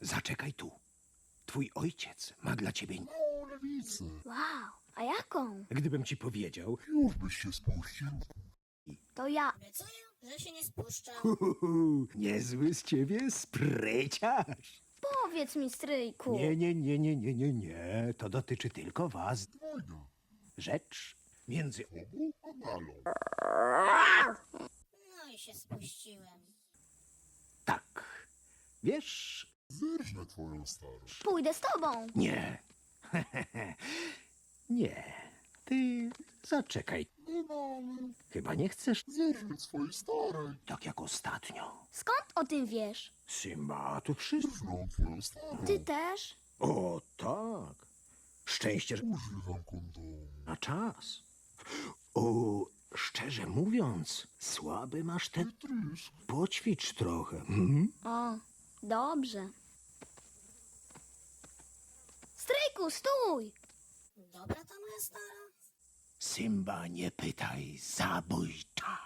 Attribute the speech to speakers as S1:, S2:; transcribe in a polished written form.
S1: Zaczekaj tu. Twój ojciec ma dla ciebie...
S2: Małą lewicę.
S3: Wow, a jaką?
S1: Gdybym ci powiedział...
S2: Już byś się spuścił.
S3: To ja.
S4: Obiecuję, że się nie spuszczę.
S1: Niezły z ciebie spryciarz.
S3: Powiedz mi, stryjku.
S1: Nie. To dotyczy tylko was.
S2: Dwojga.
S1: Rzecz między...
S2: Obu kanalą.
S4: No i się spuściłem.
S1: Tak. Wiesz...
S2: Zerżnę twoją starość.
S3: Pójdę z tobą.
S1: Nie. Nie. Ty zaczekaj.
S2: No, ale
S1: Chyba nie chcesz
S2: zerżnę swojej starej.
S1: tak jak ostatnio.
S3: Skąd o tym wiesz?
S1: Simba, tu wszystko...
S2: Zerżnę twoją starą.
S3: Ty też?
S1: O, tak. Szczęście, że
S2: Używam kondomu.
S1: na czas. O, szczerze mówiąc, słaby masz ten...
S2: Trysk.
S1: Poćwicz trochę. Mhm.
S3: O, dobrze. Stryjku, stój!
S4: Dobra ta moja stara?
S1: Simba, nie pytaj, zabójcza.